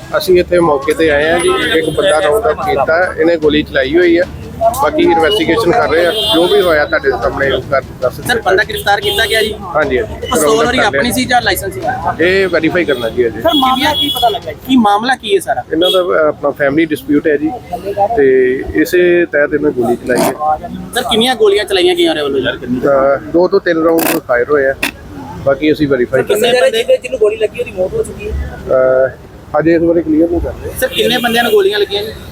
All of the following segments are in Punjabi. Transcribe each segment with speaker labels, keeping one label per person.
Speaker 1: ਅਸੀਂ ਇੱਥੇ ਮੌਕੇ ਤੇ ਆਏ ਹਾਂ ਜੀ। ਇੱਕ ਬੰਦਾ ਰਾਉਂਡ ਅਪ ਕੀਤਾ, ਇਹਨੇ ਗੋਲੀ ਚਲਾਈ ਹੋਈ ਹੈ। ਬਾਕੀ ਇਨਵੈਸਟੀਗੇਸ਼ਨ ਕਰ ਰਹੇ ਆ, ਜੋ ਵੀ ਹੋਇਆ ਤੁਹਾਡੇ ਸਾਹਮਣੇ ਉਹ ਕਰ ਦੱਸ ਦਿੰਦੇ।
Speaker 2: ਸਰ ਬੰਦਾ ਗ੍ਰਿਫਤਾਰ ਕੀਤਾ ਗਿਆ ਜੀ?
Speaker 1: ਹਾਂਜੀ ਹਾਂਜੀ,
Speaker 2: ਪਿਸਤੌਲ ਉਹਦੀ ਆਪਣੀ ਸੀ ਜਾਂ ਲਾਇਸੈਂਸ ਸੀ?
Speaker 1: ਇਹ ਵੈਰੀਫਾਈ ਕਰਨਾ ਜੀ ਅਜੇ।
Speaker 2: ਸਰ ਮਾਮਲਾ ਕੀ ਪਤਾ ਲੱਗਾ, ਕੀ ਮਾਮਲਾ ਕੀ ਹੈ ਸਾਰਾ?
Speaker 1: ਇਹਨਾਂ ਦਾ ਆਪਣਾ ਫੈਮਿਲੀ ਡਿਸਪਿਊਟ ਹੈ ਜੀ, ਤੇ ਇਸੇ ਤਹਿਤ ਇਹਨੇ ਗੋਲੀ ਚਲਾਈ ਹੈ।
Speaker 2: ਸਰ ਕਿੰਨੀਆਂ ਗੋਲੀਆਂ ਚਲਾਈਆਂ ਗਈਆਂ ਉਹਦੇ ਵੱਲੋਂ?
Speaker 1: 2 ਤੋਂ 3 ਰਾਉਂਡ ਫਾਇਰ ਹੋਏ ਆ, ਬਾਕੀ ਅਸੀਂ ਵੈਰੀਫਾਈ ਕਰ ਰਹੇ
Speaker 2: ਕਿੰਨੇ ਬੰਦੇ ਜਿਹਨੂੰ ਗੋਲੀ ਲੱਗੀ ਉਹਦੀ ਮੌਤ ਹੋ ਚੁੱਕੀ ਹੈ?
Speaker 1: ਅਜੇ ਇਸ ਬਾਰੇ ਕਲੀਅਰ ਨਹੀਂ ਕਰ ਰਹੇ।
Speaker 2: ਸਰ ਕਿੰਨੇ ਬੰਦਿਆਂ ਨੂੰ ਗੋਲੀਆਂ ਲੱਗੀਆਂ ਜੀ?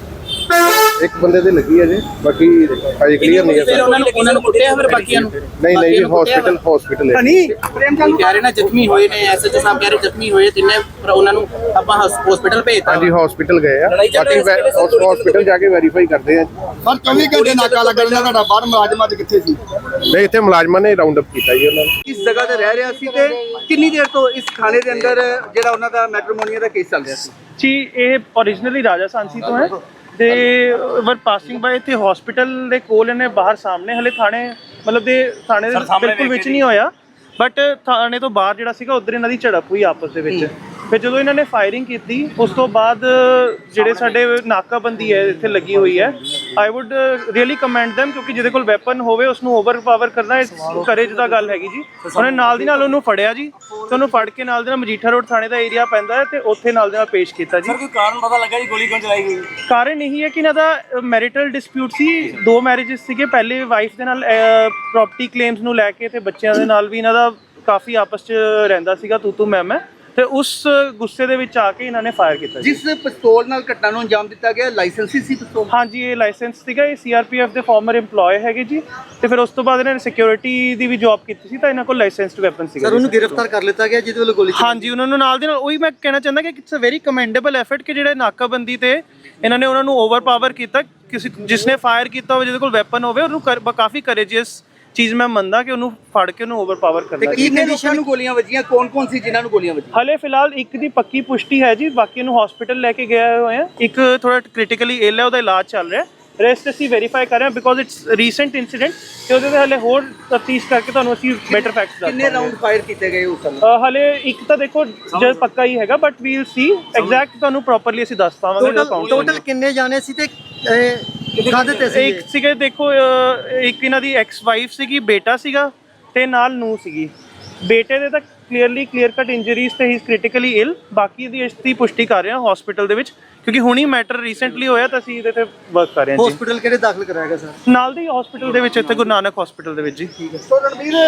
Speaker 1: ਇੱਕ ਬੰਦੇ ਦੇ ਲੱਗੀ ਹੈ ਜੀ, ਬਾਕੀ ਅਜੇ ਕਲੀਅਰ ਨਹੀਂ ਹੈ
Speaker 2: ਫਿਰ ਉਹਨਾਂ ਨੂੰ ਕੁੱਟਿਆ ਫਿਰ ਬਾਕੀਆਂ ਨੂੰ?
Speaker 1: ਨਹੀਂ ਜੀ, ਹਸਪੀਟਲ ਹੈ।
Speaker 2: ਕਹਿ ਰਹੇ ਨਾ ਜ਼ਖਮੀ ਹੋਏ ਨੇ, ਐਸਐਚਓ ਸਾਹਿਬ ਕਹਿ ਰਹੇ ਜ਼ਖਮੀ ਹੋਏ ਤਿੰਨੇ, ਪਰ ਉਹਨਾਂ ਨੂੰ ਆਪਾਂ ਹਸਪੀਟਲ ਭੇਜਤਾ।
Speaker 1: ਹਾਂਜੀ ਹਸਪੀਟਲ ਗਏ ਆ, ਬਾਕੀ ਹਸਪੀਟਲ ਜਾ ਕੇ ਵੈਰੀਫਾਈ ਕਰਦੇ ਆ।
Speaker 3: ਸਰ 24 ਘੰਟੇ ਨਾਕਾ ਲੱਗਣ ਦਾ ਤੁਹਾਡਾ ਬਾਹਰ ਮੁਲਾਜ਼ਮਾਂ ਦੇ ਕਿੱਥੇ ਸੀ?
Speaker 1: ਨਹੀਂ, ਇੱਥੇ ਮੁਲਾਜ਼ਮਾਂ ਨੇ ਰਾਉਂਡ ਅਪ ਕੀਤਾ ਜੀ ਉਹਨਾਂ ਨੂੰ।
Speaker 4: ਇਸ ਜਗ੍ਹਾ ਤੇ ਰਹਿ ਰਿਹਾ ਸੀ ਤੇ ਕਿੰਨੀ ਦੇਰ ਤੋਂ ਇਸ ਥਾਣੇ ਦੇ ਅੰਦਰ ਜਿਹੜਾ ਉਹਨਾਂ ਦਾ ਮੈਟਰੋਮੋਨੀਆ ਦਾ ਕੇਸ ਚੱਲ ਰਿਹਾ ਸੀ?
Speaker 5: ਜੀ ਇਹ ਓਰੀਜਨਲੀ ਰਾਜਾ ਸਾਂਸੀ ਤੋਂ ਹੈ ਤੇ ਵਰ ਪਾਸਿੰਗ ਬਾਏ ਇੱਥੇ ਹਸਪੀਟਲ ਦੇ ਕੋਲ ਇਹਨੇ ਬਾਹਰ ਸਾਹਮਣੇ ਹਲੇ ਥਾਣੇ ਮਤਲਬ ਦੇ ਥਾਣੇ ਦੇ ਬਿਲਕੁਲ ਵਿੱਚ ਨਹੀਂ ਹੋਇਆ, ਬਟ ਥਾਣੇ ਤੋਂ ਬਾਹਰ ਜਿਹੜਾ ਸੀਗਾ ਉਧਰ ਇਹਨਾਂ ਦੀ ਝੜਪ ਹੋਈ ਆਪਸ ਦੇ ਵਿੱਚ। ਫਿਰ ਜਦੋਂ ਇਹਨਾਂ ਨੇ ਫਾਇਰਿੰਗ ਕੀਤੀ ਉਸ ਤੋਂ ਬਾਅਦ ਜਿਹੜੇ ਸਾਡੇ ਨਾਕਾਬੰਦੀ ਹੈ ਇੱਥੇ ਲੱਗੀ ਹੋਈ ਹੈ, I would really commend them, ਕਿਉਂਕਿ ਜਿਹਦੇ ਕੋਲ ਵੈਪਨ ਹੋਵੇ ਉਸ ਨੂੰ ਓਵਰਪਾਵਰ ਕਰਨਾ ਕਰੇਜ ਦਾ ਗੱਲ ਹੈਗੀ ਜੀ। ਉਹਨੇ ਨਾਲ ਦੀ ਨਾਲ ਉਹਨੂੰ ਫੜਿਆ ਜੀ, ਤੇ ਉਹਨੂੰ ਫੜ ਕੇ ਨਾਲ ਦੇ ਨਾਲ ਮਜੀਠਾ ਰੋਡ ਥਾਣੇ ਦਾ ਏਰੀਆ ਪੈਂਦਾ ਹੈ ਤੇ ਉੱਥੇ ਨਾਲ ਦੇ ਨਾਲ ਪੇਸ਼ ਕੀਤਾ ਜੀ।
Speaker 4: ਕੋਈ ਕਾਰਨ ਪਤਾ ਲੱਗਾ ਜੀ ਗੋਲੀ ਕਿਉਂ ਚਲਾਈ ਗਈ?
Speaker 5: ਕਾਰਨ ਇਹੀ ਹੈ ਕਿ ਇਹਨਾਂ ਦਾ ਮੈਰਿਟਲ ਡਿਸਪਿਊਟ ਸੀ, 2 ਮੈਰਿਜਸ ਸੀਗੇ। ਪਹਿਲੇ ਵਾਈਫ ਦੇ ਨਾਲ ਪ੍ਰੋਪਰਟੀ ਕਲੇਮਸ ਨੂੰ ਲੈ ਕੇ ਤੇ ਬੱਚਿਆਂ ਦੇ ਨਾਲ ਵੀ ਇਹਨਾਂ ਦਾ ਕਾਫੀ ਆਪਸ 'ਚ ਰਹਿੰਦਾ ਸੀਗਾ ਤੂੰ ਮੈਂ, ਤੇ ਉਸ ਗੁੱਸੇ ਦੇ ਵਿੱਚ ਆ ਕੇ ਇਹਨਾਂ ਨੇ ਫਾਇਰ ਕੀਤਾ।
Speaker 4: ਜਿਸ ਪਿਸਤੌਲ ਨਾਲ ਘਟਨਾ ਨੂੰ ਅੰਜਾਮ ਦਿੱਤਾ ਗਿਆ ਲਾਇਸੈਂਸੀ ਸੀ ਪਿਸਤੌਲ?
Speaker 5: ਹਾਂਜੀ ਇਹ ਲਾਇਸੈਂਸ ਸੀਗਾ, ਇਹ ਸੀਆਰਪੀਐਫ ਦੇ ਫਾਰਮਰ EMPLOYE ਹੈਗੇ ਜੀ, ਤੇ ਫਿਰ ਉਸ ਤੋਂ ਬਾਅਦ ਇਹਨਾਂ ਨੇ ਸਿਕਿਉਰਿਟੀ ਦੀ ਵੀ ਜੌਬ ਕੀਤੀ ਸੀ ਤਾਂ ਇਹਨਾਂ ਕੋਲ ਲਾਇਸੈਂਸਡ ਵੈਪਨ ਸੀਗਾ।
Speaker 4: ਸਰ ਉਹਨੂੰ ਗ੍ਰਿਫਤਾਰ ਕਰ ਲਿੱਤਾ ਗਿਆ ਜਿਹਦੇ ਵੱਲੋਂ ਗੋਲੀ?
Speaker 5: ਹਾਂਜੀ ਉਹਨਾਂ ਨੂੰ ਨਾਲ ਦੇ ਨਾਲ ਉਹੀ ਮੈਂ ਕਹਿਣਾ ਚਾਹੁੰਦਾ ਕਿ it's a very commendable effort ਕਿ ਜਿਹੜੇ ਨਾਕਾਬੰਦੀ ਤੇ ਇਹਨਾਂ ਨੇ ਉਹਨਾਂ ਨੂੰ ਓਵਰਪਾਵਰ ਕੀਤਾ। ਕਿਸੇ ਜਿਸਨੇ ਫਾਇਰ ਕੀਤਾ ਹੋਵੇ, ਜਿਹਦੇ ਕੋਲ ਵੈਪਨ ਹੋਵੇ, ਉਹਨੂੰ ਕਾਫੀ ਕਰੇਜੀਅਸ ਚੀਜ਼ ਮੈਂ ਮੰਨਦਾ ਕਿ ਉਹਨੂੰ ਫੜ ਕੇ ਉਹਨੂੰ ਓਵਰਪਾਵਰ ਕਰਨਾ।
Speaker 4: ਕਿੰਨੇ ਲੋਕਾਂ ਨੂੰ ਗੋਲੀਆਂ ਵੱਜੀਆਂ, ਕੌਣ ਸੀ ਜਿਨ੍ਹਾਂ ਨੂੰ ਗੋਲੀਆਂ ਵੱਜੀਆਂ?
Speaker 5: ਹਲੇ ਫਿਲਹਾਲ ਇੱਕ ਦੀ ਪੱਕੀ ਪੁਸ਼ਟੀ ਹੈ ਜੀ, ਬਾਕੀ ਨੂੰ ਹਸਪੀਟਲ ਲੈ ਕੇ ਗਏ ਹੋਏ ਆ। ਇੱਕ ਥੋੜਾ ਕ੍ਰਿਟੀਕਲੀ ਇਲ ਹੈ, ਉਹਦਾ ਇਲਾਜ ਚੱਲ ਰਿਹਾ। ਰੈਸਟ ਅਸੀਂ ਵੈਰੀਫਾਈ ਕਰ ਰਹੇ ਹਾਂ ਬਿਕੋਜ਼ ਇਟਸ ਰੀਸੈਂਟ ਇਨਸੀਡੈਂਟ, ਤੇ ਉਹਦੇ ਤੇ ਹਲੇ ਹੋਰ ਤਫਤੀਸ਼ ਕਰਕੇ ਤੁਹਾਨੂੰ ਅਸੀਂ ਬੈਟਰ ਫੈਕਟਸ ਦੱਸਾਂਗੇ।
Speaker 4: ਕਿੰਨੇ ਰਾਉਂਡ ਫਾਇਰ ਕੀਤੇ ਗਏ ਉਸ ਸਮੇਂ?
Speaker 5: ਹਲੇ ਇੱਕ ਤਾਂ ਦੇਖੋ ਜਦ ਪੱਕਾ ਹੀ ਹੈਗਾ, but we will see exact, ਤੁਹਾਨੂੰ ਪ੍ਰੋਪਰਲੀ ਅਸੀਂ ਦੱਸ ਪਾਵਾਂਗੇ।
Speaker 4: ਟੋਟਲ ਕਿੰਨੇ ਜਾਣੇ ਸੀ ਤੇ ਕਾਹਦੇ ਤੇ ਸੀ?
Speaker 5: ਇੱਕ ਸੀਗੇ ਦੇਖੋ, ਇੱਕ ਇਹਨਾਂ ਦੀ ਐਕਸ ਵਾਈਫ ਸੀਗੀ, ਬੇਟਾ ਸੀਗਾ ਤੇ ਨਾਲ ਨੂੰਹ ਸੀਗੀ। ਬੇਟੇ ਦੇ ਤਾਂ ਕਲੀਅਰ ਕੱਟ ਇੰਜਰੀਜ਼ ਤੇ ਹੀ ਇਜ਼ ਕ੍ਰਿਟੀਕਲੀ ਇਲ, ਬਾਕੀ ਦੀ ਇਸ ਦੀ ਪੁਸ਼ਟੀ ਕਰ ਰਹੇ ਹਾਂ ਹਸਪੀਟਲ ਦੇ ਵਿੱਚ, ਕਿਉਂਕਿ ਹੁਣੀ ਮੈਟਰ ਰੀਸੈਂਟਲੀ ਹੋਇਆ ਤਾਂ ਅਸੀਂ ਇਹਦੇ ਤੇ ਵਰਕ ਕਰ ਰਹੇ ਹਾਂ ਜੀ।
Speaker 4: ਹਸਪੀਟਲ ਕਿਹੜੇ ਦਾਖਲ ਕਰਾਇਆ ਗਿਆ ਸਰ?
Speaker 5: ਨਾਲ ਦੇ ਹਸਪੀਟਲ ਦੇ ਵਿੱਚ, ਇੱਥੇ ਗੁਰੂ ਨਾਨਕ ਹਸਪੀਟਲ ਦੇ ਵਿੱਚ ਜੀ।
Speaker 4: ਠੀਕ ਹੈ।